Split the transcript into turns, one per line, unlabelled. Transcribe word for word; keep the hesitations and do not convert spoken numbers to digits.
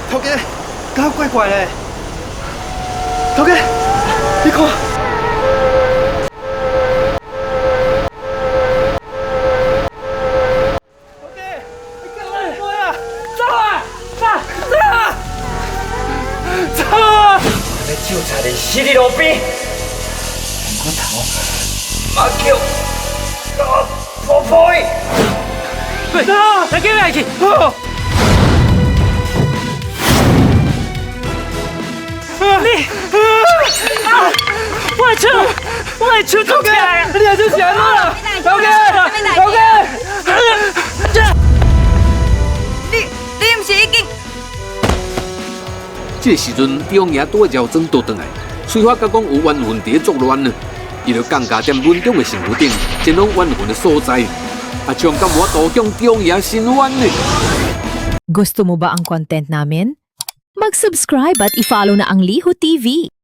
头家，搞怪怪嘞！头家，你看。头家，你干嘛做呀？走啊！走走啊！走啊！
要救差点死伫路边，我头马叫我婆婆伊。
走，来叫来去。
好。
你啊！我的手，我的手抓起来啊！
你也就想了，头家，头家，
你你毋是已经？
这个时阵，中爷拄绕庄倒转来，催发甲讲有冤魂伫咧作乱呢，伊就降价踮稳中的身躯顶，前往冤魂的所在。阿强敢无度向中爷伸冤呢？
Gusto mo ba ang content namin? Mag-subscribe at i-follow na ang Liho T V.